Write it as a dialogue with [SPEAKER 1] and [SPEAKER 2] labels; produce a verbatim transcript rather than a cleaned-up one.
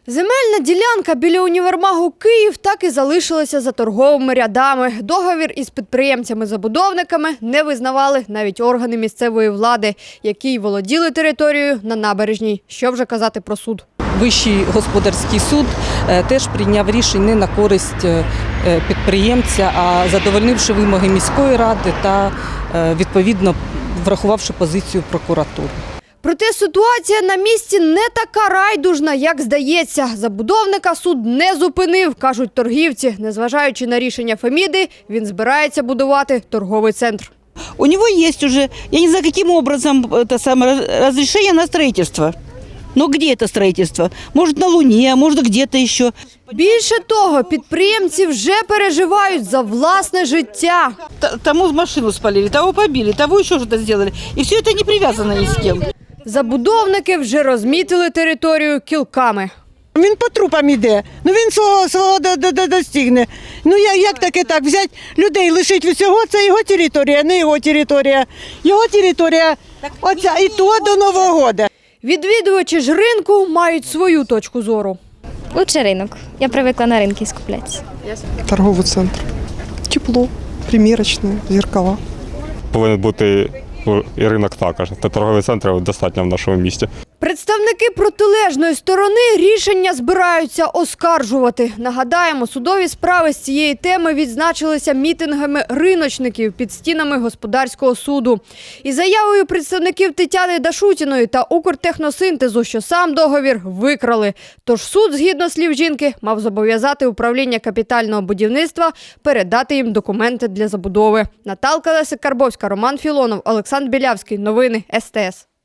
[SPEAKER 1] Земельна ділянка біля універмагу «Київ» так і залишилася за торговими рядами. Договір із підприємцями-забудовниками не визнавали навіть органи місцевої влади, які й володіли територією на набережній. Що вже казати про суд.
[SPEAKER 2] Вищий господарський суд теж прийняв рішення не на користь підприємця, а задовольнивши вимоги міської ради та, відповідно, врахувавши позицію прокуратури.
[SPEAKER 1] Проте ситуація на місці не така райдужна, як здається. Забудовника суд не зупинив, кажуть торгівці. Незважаючи на рішення Феміди, він збирається будувати торговий центр.
[SPEAKER 3] У него есть уже, я не знаю, каким образом это самое разрешение на строительство. Но где это строительство? Может, на Луне, может, где-то еще.
[SPEAKER 1] Більше того, підприємці вже переживають за власне життя.
[SPEAKER 3] Тому машину спалили, того побили, того ще щось зробили. І все це не прив'язано ні з ким.
[SPEAKER 1] Забудовники вже розмітили територію кілками.
[SPEAKER 4] Він по трупам іде, ну він свого, свого достигне. Ну як, як таке так, взяти людей, лишити всього, це його територія, не його територія. Його територія, оця, і то до Нового року.
[SPEAKER 1] Відвідувачі ж ринку мають свою точку зору.
[SPEAKER 5] Лучше ринок. Я привикла на ринки скуплятися.
[SPEAKER 6] Торговий центр. Тепло, примірочні, зеркала.
[SPEAKER 7] Повинен бути і ринок також. Та торговий центр достатньо в нашому місті.
[SPEAKER 1] Представники протилежної сторони рішення збираються оскаржувати. Нагадаємо, судові справи з цієї теми відзначилися мітингами риночників під стінами господарського суду. І заявою представників Тетяни Дашутіної та Укртехносинтезу, що сам договір викрали. Тож суд, згідно слів жінки, мав зобов'язати управління капітального будівництва передати їм документи для забудови. Наталка Лесик-Карбовська, Роман Філонов, Олександр Білявський. Новини ес те ес.